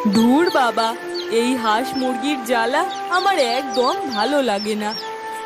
ধুর বাবা, এই হাঁস মুরগির জ্বালা আমার একদম ভালো লাগে না।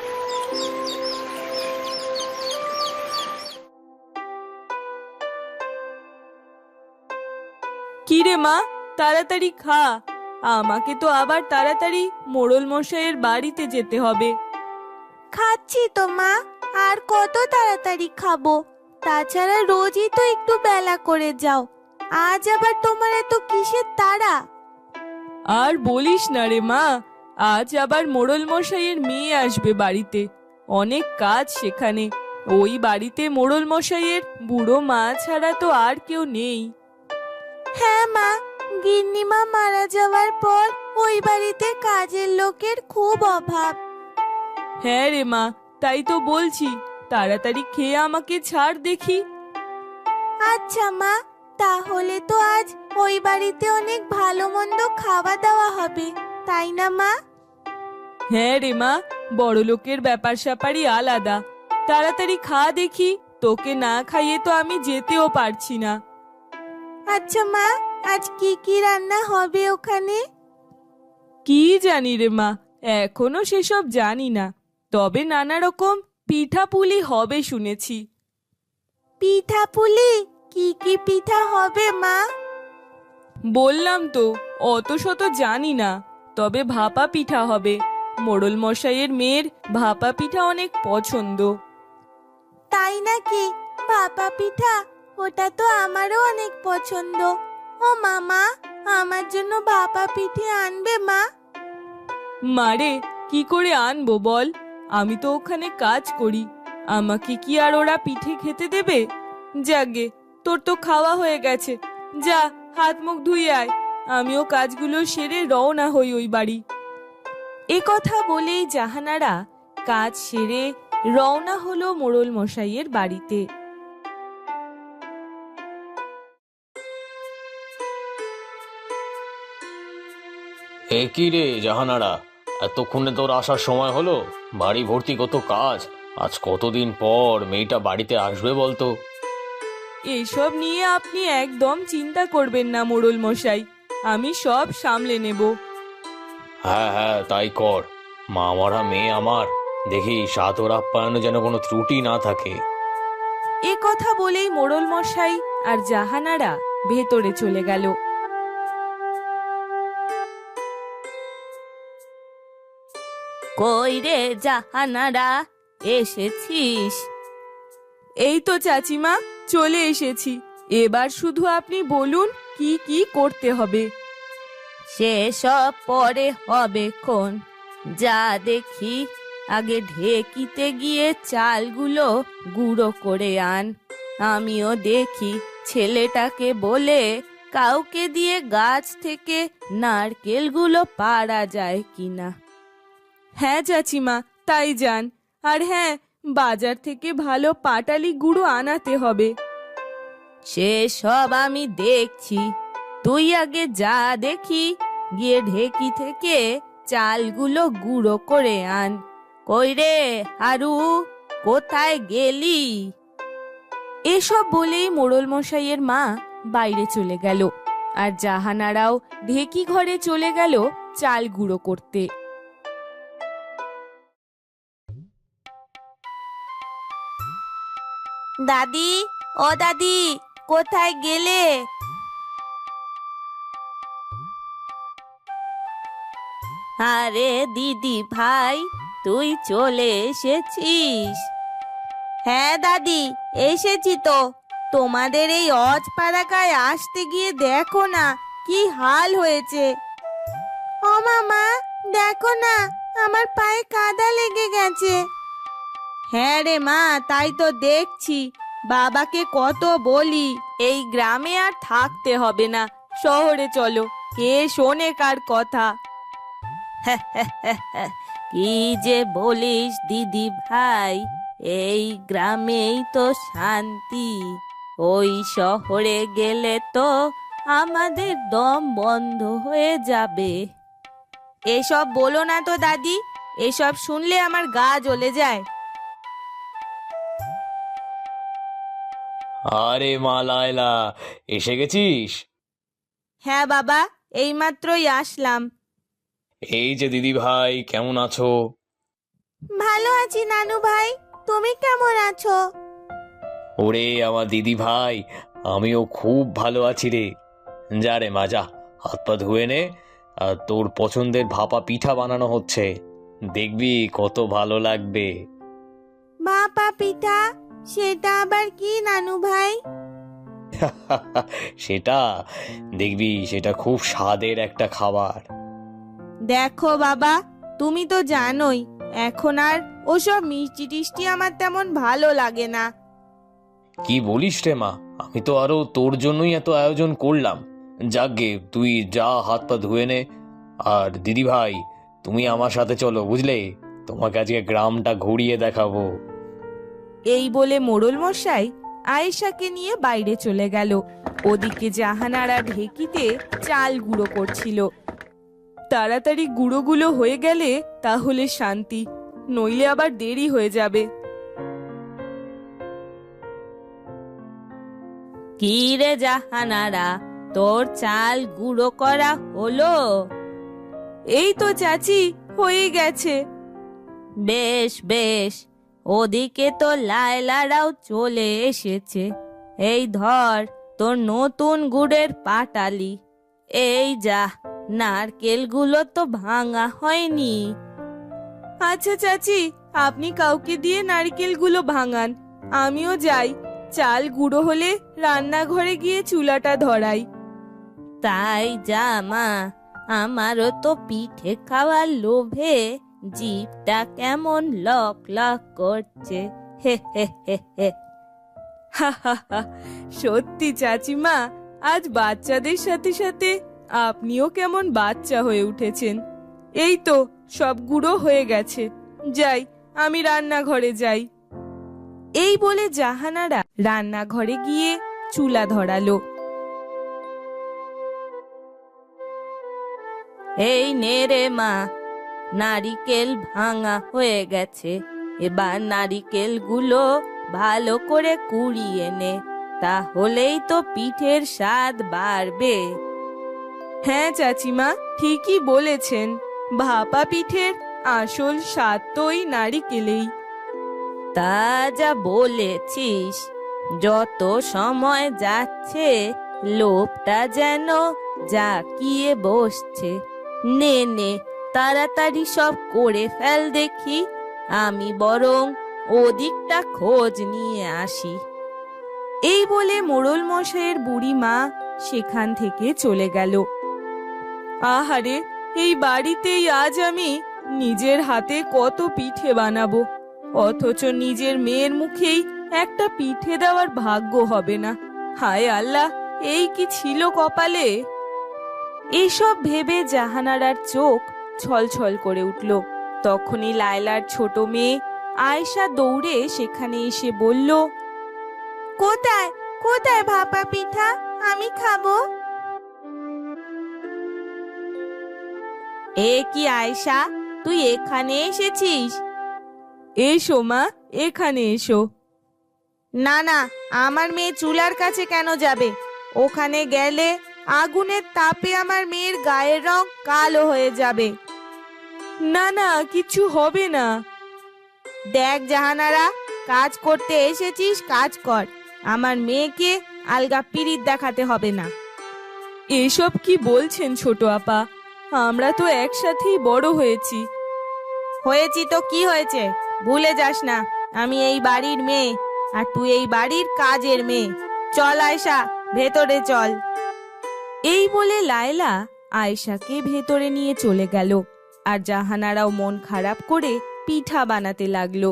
কি রে মা, তাড়াতাড়ি খা, আমাকে তো আবার তাড়াতাড়ি মোড়ল মশাইয়ের বাড়িতে যেতে হবে। খাচ্ছি তো মা, আর কত তাড়াতাড়ি খাবো? তাছাড়া রোজই তো একটু বেলা করে যাও, আজ আবার তোমার এত কিসের তাড়া? আর বলিস না রে মা, আজ আবার মোড়ল মশাইয়ের মেয়ে আসবে বাড়িতে, অনেক কাজ সেখানে। ওই বাড়িতে মোড়ল মশাইয়ের বুড়ো মা ছাড়া তো আর কেউ নেই। হ্যাঁ মা, গিন্নিমা মারা যাওয়ার পর ওই বাড়িতে কাজের লোকের খুব অভাব। হ্যাঁ রে মা, তাই তো বলছি, তাড়াতাড়ি খেয়ে আমাকে ছাড় দেখি। আচ্ছা মা, তাহলে তো আজ ওই বাড়িতে অনেক ভালো মন্দ খাওয়া দাওয়া হবে, তাই না মা? হ্যাঁ রে মা, বড়লোকের ব্যাপার স্যাপারই আলাদা। তাড়াতাড়ি খা দেখি, তোকে না খাইয়ে তো আমি যেতেও পারছি না। আচ্ছা মা, আজ কি কি রান্না হবে ওখানে? কি জানি রে মা, এখনো সেসব জানি না, তবে নানা রকম পিঠা পুলি হবে শুনেছি। পিঠা পুলি? কি কি পিঠা হবে মা? বললাম তো, অত শত জানি না, তবে ভাপা পিঠা হবে। মোড়ল মশাইয়ের মেয়ের ভাপা পিঠা অনেক পছন্দ। তাই নাকি? ভাপা পিঠা, ওটা তো আমারও অনেক পছন্দ। ও মামা, আমার জন্য ভাপা পিঠে আনবে মা? মারে, কি করে আনবো বল, আমি তো ওখানে কাজ করি, আমাকে কি আর ওরা পিঠে খেতে দেবে? যাগে, তোর তো খাওয়া হয়ে গেছে, যা হাত মুখ ধুয়ে আয়, আমিও কাজগুলো সেরে রওনা হই ওই বাড়ি। এ কথা বলেই জাহানারা কাজ সেরে রওনা হলো মোড়ল মশাইয়ের বাড়িতে। এ কি রে জাহানারা, এতক্ষণে তোর আসার সময় হলো? বাড়ি ভর্তি কত কাজ, আজ কতদিন পর মেয়েটা বাড়িতে আসবে বলতো? এসব নিয়ে আপনি একদম চিন্তা করবেন না মোড়ল মশাই, আমি সব সামলে নেব। হ্যাঁ হ্যাঁ, তাই কর। মা মরা মেয়ে আমার, দেখি সাদর আপ্যায়নে যেন কোনো ত্রুটি না থাকে। এ কথা বলেই মোড়ল মশাই আর জাহানারা ভেতরে চলে গেল। কই রে জাহানারা, এসেছিস? এই তো চাচিমা, চলে এসেছি, এবার শুধু আপনি বলুন কি কি করতে হবে। সেসব পরে হবে খন, যা দেখি আগে ঢেকিতে গিয়ে চালগুলো গুঁড়ো করে আন। আমিও দেখি ছেলেটাকে বলে কাউকে দিয়ে গাছ থেকে নারকেলগুলো পাড়া যায় কিনা। হ্যাঁ চাচিমা, তাই যান, আর হ্যাঁ, বাজার থেকে ভালো পাটালি গুঁড়ো আনাতে হবে। সেসব আমি দেখছি, তুই আগে যা দেখি, গিয়ে ঢেকি থেকে চালগুলো গুঁড়ো করে আন। কই রে হারু, কোথায় গেলি? এসব বলেই মোড়ল মশাইয়ের মা বাইরে চলে গেল, আর জাহানারাও ঢেকি ঘরে চলে গেল চাল গুঁড়ো করতে। দাদি, ও দাদি, কোথায় গেলে? আরে দিদি ভাই, তুই চলে এসেছিস? হ্যাঁ দাদি, এসেছি তো। তোমাদের এই অজপাড়াগায় আসতে গিয়ে দেখো না কি হাল হয়েছে। ও মামা, দেখো না, আমার পায়ে কাদা লেগে গেছে। হ্যাঁ রে মা, তাই তো দেখছি। বাবাকে কত বলি এই গ্রামে আর থাকতে হবে না, শহরে চলো, কে শোনে কার কথা। কি যে বলিস দিদি ভাই, এই গ্রামেই তো শান্তি, ওই শহরে গেলে তো আমাদের দম বন্ধ হয়ে যাবে। এসব বলো না তো দাদি, এসব শুনলে আমার গা জ্বলে যায়। আরে মা লায়লা, এসে গেছিস? হ্যাঁ বাবা, এইমাত্রই আসলাম। এই যে দিদি ভাই, কেমন আছো? ভালো আছি নানু ভাই, তুমি কেমন আছো? ওরে আমার দিদি ভাই, আমিও খুব ভালো আছি রে। যা রে মা, যা হাত পা ধুয়ে নে। আর তোর পছন্দের ভাপা পিঠা বানানো হচ্ছে, দেখবি কত ভালো লাগবে। ভাপা পিঠা? সেটা আবার কি নানু ভাই? সেটা দেখবি, সেটা খুব স্বাদের একটা খাবার। দেখো বাবা, তুমি তো জানোই এখন আর ওসব মিষ্টি টিষ্টি আমার তেমন ভালো লাগে না। কি বলিস রে মা, আমি তো আরো তোর জন্যই এত আয়োজন করলাম। যাকগে, তুই যা হাত পা ধুয়ে নে। আর দিদি ভাই, তুমি আমার সাথে চলো, বুঝলে? তোমাকে আজকে গ্রামটা ঘুরিয়ে দেখাবো। এই বলে মোড়ল মশাই আয়েশাকে নিয়ে বাইরে চলে গেল। ওদিকে জাহানারা ঢেকিতে চাল গুঁড়ো করছিল। তাড়াতাড়ি গুঁড়োগুলো হয়ে গেলে তাহলে শান্তি, নইলে আবার দেরি হয়ে যাবে। কি রে জাহানারা, তোর চাল গুঁড়ো করা হলো? এই তো চাচি, হয়ে গেছে। বেশ বেশ, ওদিকে তো লায়লারাও চলে এসেছে। এই ধর তোর নতুন গুড়ের পাটালি। এই যা, নারকেলগুলো তো ভাঙা হয়নি। আচ্ছা চাচি, আপনি কাউকে দিয়ে নারকেলগুলো ভাঙান, আমিও যাই। চাল গুঁড়ো হলে রান্নাঘরে গিয়ে চুলাটা ধরাই। তাই যা মা, আমারও তো পিঠে খাওয়ার লোভে জিভটা কেমন লক লক করছে। হে হে হে হে। হা হা হা, সত্যি চাচিমা, আজ বাচ্চাদের সাথে সাথে আপনিও কেমন বাচ্চা হয়ে উঠেছেন। এই তো সব গুঁড়ো হয়ে গেছে, যাই আমি রান্নাঘরে যাই। এই বলে জাহানারা রান্নাঘরে গিয়ে চুলা ধরালো। এই নে রে মা, নারিকেল ভাঙা হয়ে গেছে। এবার নারিকেলগুলো ভালো করে কুড়িয়ে নে, তাহলেই তো পিঠের স্বাদ বাড়বে। হ্যাঁ চাচিমা, ঠিকই বলেছেন। ভাপা পিঠের আসল স্বাদ তো ওই নারিকেলেই। তা যা বলেছিস, যত সময় যাচ্ছে লোভটা যেন জাকিয়ে বসছে। নে নে, তাড়াতাড়ি সব করে ফেল দেখি, আমি বরং ওদিকটা খোঁজ নিয়ে আসি। এই বলে মোড়ল মশাইয়ের বুড়ি মা সেখান থেকে চলে গেল। আহারে, এই বাড়িতেই আজ আমি নিজের হাতে কত পিঠে বানাবো, অথচ নিজের মেয়ের মুখেই একটা পিঠে দেওয়ার ভাগ্য হবে না। হায় আল্লাহ, এই কি ছিল কপালে! এইসব ভেবে জাহানারার চোখ ছলছল করে উঠল। তখনই লায়লার ছোট মেয়ে আয়েশা দৌড়ে সেখানে এসে বলল, কোথায় কোথায় ভাপা পিঠা, আমি খাবো। এ কি আয়েশা, তুই এখানে এসেছিস? এসো মা, এখানে এসো। না না, আমার মেয়ে চুলার কাছে কেন যাবে? ওখানে গেলে আগুনের তাপে আমার মেয়ের গায়ের রং কালো হয়ে যাবে। না না, কিছু হবে না। দেখ জাহানারা, কাজ করতে এসেছিস, কাজ কর। আমার মেয়েকে আলগা পিরিত দেখাতে হবে না। এসব কি বলছেন ছোট আপা? আমরা তো একসাথেই বড় হয়েছি। হয়েছি তো কি হয়েছে, ভুলে যাস না আমি এই বাড়ির মেয়ে, আর তুই এই বাড়ির কাজের মেয়ে। চল আয়শা, ভেতরে চল। এই বলে লায়লা আয়েশাকে ভেতরে নিয়ে চলে গেল, আর জাহানারাও মন খারাপ করে পিঠা বানাতে লাগলো।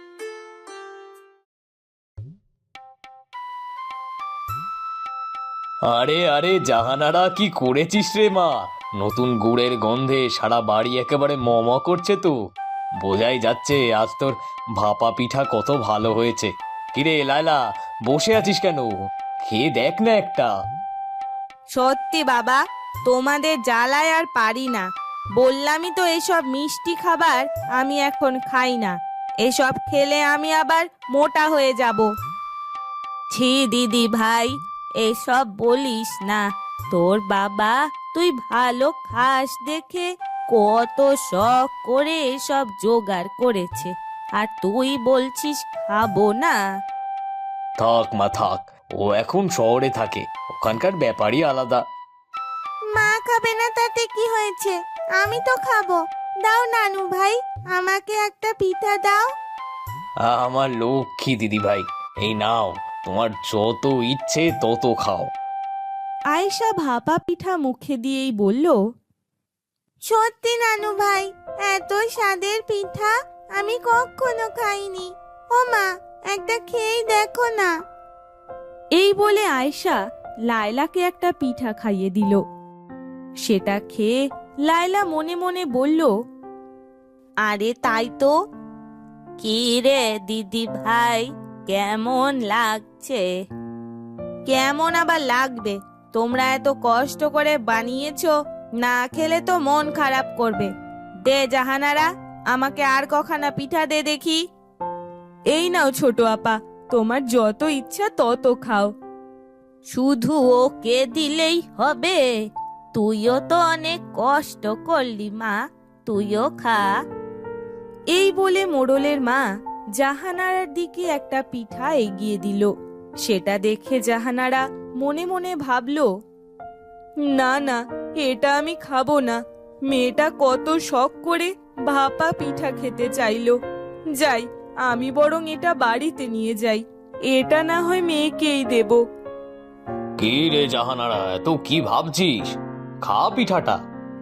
আরে আরে জাহানারা, কি করেছিস রে মা? নতুন গুড়ের গন্ধে সারা বাড়ি একেবারে ম ম করছে তো। বোঝাই যাচ্ছে আজ তোর ভাপা পিঠা কত ভালো হয়েছে। কিরে লায়লা, বসে আছিস কেন? খেয়ে দেখ না একটা। সত্যি বাবা, তোমাদের জ্বালায় আর পারি না। বললামই তো এসব মিষ্টি খাবার আমি এখন খাই না। এসব খেলে আমি আবার মোটা হয়ে যাব। ছি দিদি ভাই, এসব বলিস না। তোর বাবা তুই ভালো খাস দেখে কত শখ করে সব জোগাড় করেছে, আর তুই বলছিস খাবো না। থাক মা থাক, ও এখন শহরে থাকে, ওখানকার ব্যাপারই আলাদা। মা খাবে না তাতে কি হয়েছে, আমি তো খাবো। দাও নানু ভাই, আমাকে একটা পিঠা দাও। আমার লক্ষ্মী দিদি ভাই, এই নাও, তোমার যত ইচ্ছে তত খাও। আয়েশা ভাপা পিঠা মুখে দিয়েই বলল, সত্যি নানু ভাই, এত স্বাদের পিঠা আমি কখনো খাইনি। ও মা, একটা খেয়েই দেখো না। এই বলে আয়েশা লায়লাকে একটা পিঠা খাইয়ে দিল। সেটা খেয়ে লায়লা মনে মনে বলল, আরে তাই তো। কি রে দিদি ভাই, কেমন লাগছে? কেমন আবার লাগবে, তোমরা এত কষ্ট করে বানিয়েছো, না খেলে তো মন খারাপ করবে। দে জাহানারা, আমাকে আর কখানা পিঠা দে দেখি। এই নাও ছোট আপা, তোমার যত ইচ্ছা তত খাও। শুধু ওকে দিলেই হবে? তুইও তো অনেক কষ্ট করলি মা, তুইও খা। এই বলে মোড়লের মা জাহানারার দিকে একটা পিঠা এগিয়ে দিল। সেটা দেখে জাহানারা মনে মনে ভাবল, না না, এটা আমি খাবো না। মেয়েটা কত শখ করে ভাপা পিঠা খেতে চাইলো। যাই, আমি বরং এটা বাড়িতে নিয়ে যাই, এটা না হয় মেয়েকেই দেব। কি রে জাহানারা, এত কি ভাবছিস? খা পিঠাটা।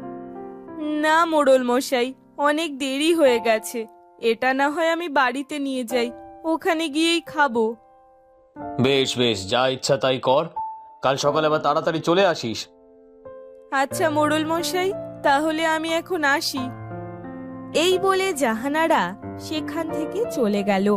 না মোড়ল মশাই, অনেক দেরি হয়ে গেছে, এটা না হয় আমি বাড়িতে নিয়ে যাই, ওখানে গিয়েই খাবো। বেশ বেশ, যা ইচ্ছা তাই কর, কাল সকালে আবার তাড়াতাড়ি চলে আসিস। আচ্ছা মোড়ল মশাই, তাহলে আমি এখন আসি। এই বলে জাহানারা সেখান থেকে চলে গেল।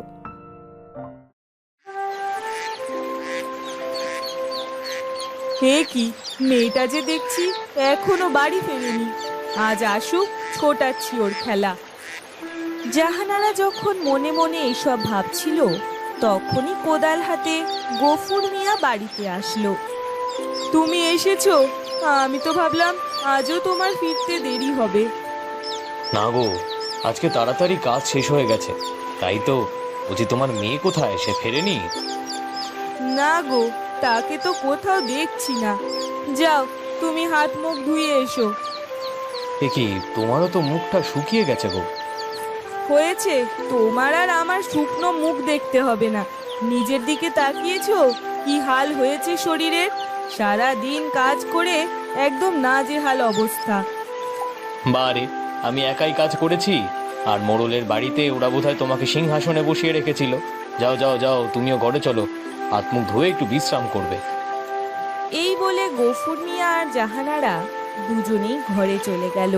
হে কি, মেয়েটা যে দেখছি এখনো বাড়ি ফেরেনি। আজ আসুক, ছোটাচ্ছি ওর খেলা। জাহানারা যখন মনে মনে এসব ভাবছিল, তখনই কোদাল হাতে গফুর মিয়া বাড়িতে আসলো। তুমি এসেছো? আমি তো ভাবলাম আজও তোমার ফিরতে দেরি হবে। না গো, আজকে তাড়াতাড়ি কাজ শেষ হয়ে গেছে, তাই তো বলছি, তোমার মেয়ে কোথায়, সে ফেরেনি? না গো, তাকে তো কোথাও দেখছি না। যাও, তুমি হাত মুখ ধুয়ে এসো। এ কি, তোমারও তো মুখটা শুকিয়ে গেছে গো। হয়েছে, তোমার আর আমার শুকনো মুখ দেখতে হবে না। নিজের দিকে তাকিয়েছো কি হাল হয়েছে শরীরের? সারা দিন কাজ করে একদম নাজেহাল অবস্থা। বারে, আমি একাই কাজ করেছি, আর মোড়লের বাড়িতে ওরা বোধহয় তোমাকে সিংহাসনে বসিয়ে রেখেছিল। যাও যাও যাও, তুমিও ঘরে চলো, হাত মুখ ধুয়ে একটু বিশ্রাম করবে। এই বলে গফুর মিয়া আর জাহানারা দুজনেই ঘরে চলে গেল।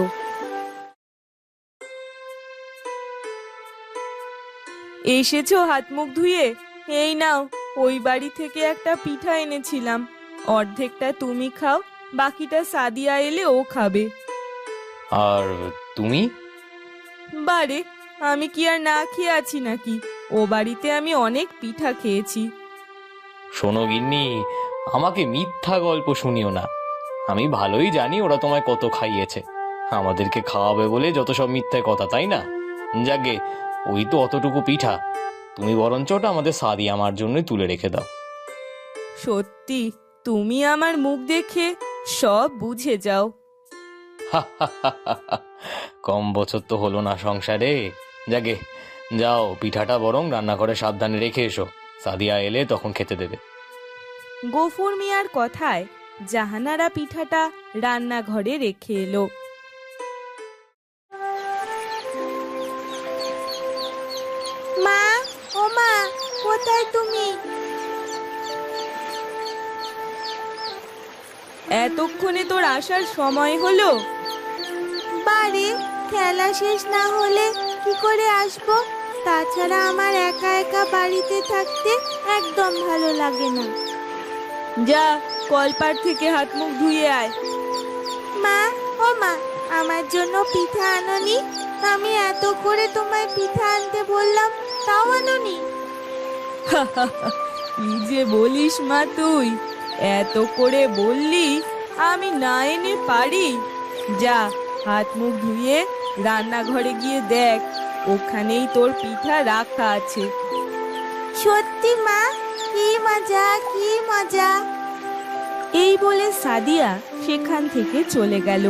এসেছো হাত মুখ ধুয়ে? এই নাও, ওই বাড়ি থেকে একটা পিঠা এনেছিলাম, অর্ধেকটা তুমি খাও, বাকিটা সাদিয়া এলে ও খাবে। আর তুমি? বারে, আমি কি আর না খেয়ে আছি নাকি? ও বাড়িতে আমি অনেক পিঠা খেয়েছি। শোনো গিন্নি, আমাকে মিথ্যা গল্প শুনিও না। আমি ভালোই জানি ওরা তোমায় কত খাইয়েছে, আমাদেরকে খাওয়াবে বলে যত সব মিথ্যে কথা, তাই না? যাকে, ওই তো অতটুকু পিঠা, তুমি বরঞ্চ ওটা আমাদের সাদিয়া আমার জন্যই তুলে রেখে দাও। সত্যি, তুমি আমার মুখ দেখে সব বুঝে যাও। কম বছর তো হলো না সংসারে। যাকে, যাও, পিঠাটা বরং রান্নাঘরে সাবধানে রেখে এসো, সাদিয়া এলে তখন খেতে দেবে। গফুর মিয়ার কথায় জাহানারা পিঠাটা রান্নাঘরে রেখে এলো। মা, ও মা, কোথায় তুমি? এতক্ষণে তোর আসার সময় হলো? বাড়ি খেলা শেষ না হলে কি করে আসবো? তাছাড়া আমার একা একা বাড়িতে থাকতে একদম ভালো লাগে না। যা, কলপাড় থেকে হাত মুখ ধুয়ে আয়। মা, ও মা, আমার জন্য পিঠা আনোনি? আমি এত করে তোমায় পিঠা আনতে বললাম, তাও আনোনি? কি যে বলিস মা তুই, এত করে বললি আমি না এনে পারি? যা, হাত মুখ ধুয়ে রান্নাঘরে গিয়ে দেখ, ওখানেই তোর পিঠা রাখা আছে। সত্যি মা, কি মজা কি মজা। এই বলে সাদিয়া সেখান থেকে চলে গেল।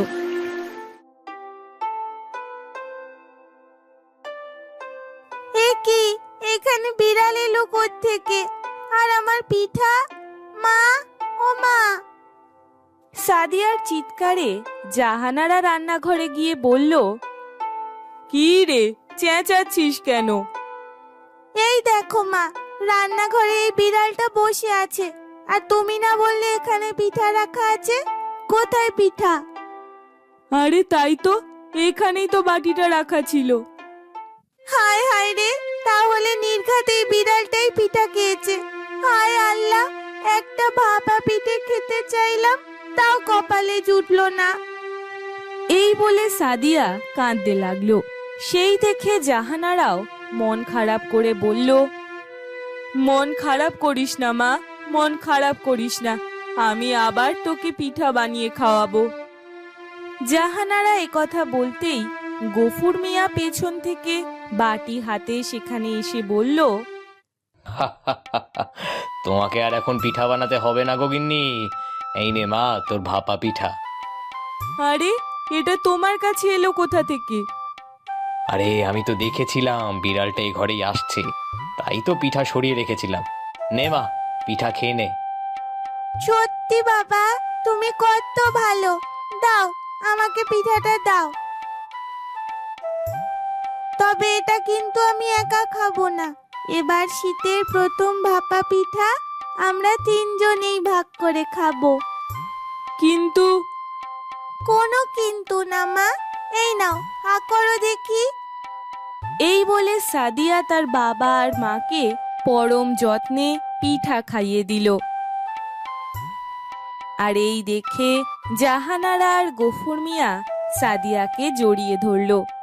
এ কি, এখানে বিড়াল এলো থেকে? আর আমার পিঠা? মা, ও মা! সাদিয়ার চিৎকারে জাহানারা রান্নাঘরে গিয়ে বলল, কি রে, চেঁচাচ্ছিস কেন? এই দেখো মা, রান্নাঘরে এই বিড়ালটা বসে আছে, আর তুমি না বললে এখানে পিঠা রাখা আছে? কোথায় পিঠা? আরে তাই তো, এখানেই তো বাটিটা রাখা ছিল। হায় হায় রে, তাহলে নির্ঘাত এই বিড়ালটাই পিঠা খেয়েছে। হায় আল্লাহ, একটা ভাপা পিঠে খেতে চাইলাম, তাও কপালে জুটলো না। এই বলে সাদিয়া কাঁদতে লাগলো। সেই দেখে জাহানারাও মন খারাপ করে বলল, মন খারাপ করিস না মা, মন খারাপ করিস না, আমি আবার তোকে পিঠা বানিয়ে খাওয়াবো। জাহানারা একথা বলতেই গফুর মিয়া পেছন থেকে বাটি হাতে সেখানে এসে বলল, তোমাকে আর এখন পিঠা বানাতে হবে না গগিন্নি, এই নে মা তোর ভাপা পিঠা। আরে, এটা তোমার কাছে এলো কোথা থেকে? আরে আমি তো দেখেছিলাম বিড়ালটা এই ঘরেই আসছে, তাই তো পিঠা সরিয়ে রেখেছিলাম। নে মা, পিঠা খেয়ে নে। সত্যি বাবা, তুমি কত ভালো। দাও, আমাকে পিঠাটা দাও। তবে এটা কিন্তু আমি একা খাবো না। এবার শীতের প্রথম ভাপা পিঠা আমরা তিনজনেই ভাগ করে খাবো। কিন্তু কোনো কিন্তু না মা, এই নাও, হা করো দেখি। এই বলে সাদিয়া তার বাবা আর মাকে পরম যত্নে পিঠা খাইয়ে দিল। আর এই দেখে জাহানারা আর গফুর মিয়া সাদিয়াকে জড়িয়ে ধরল।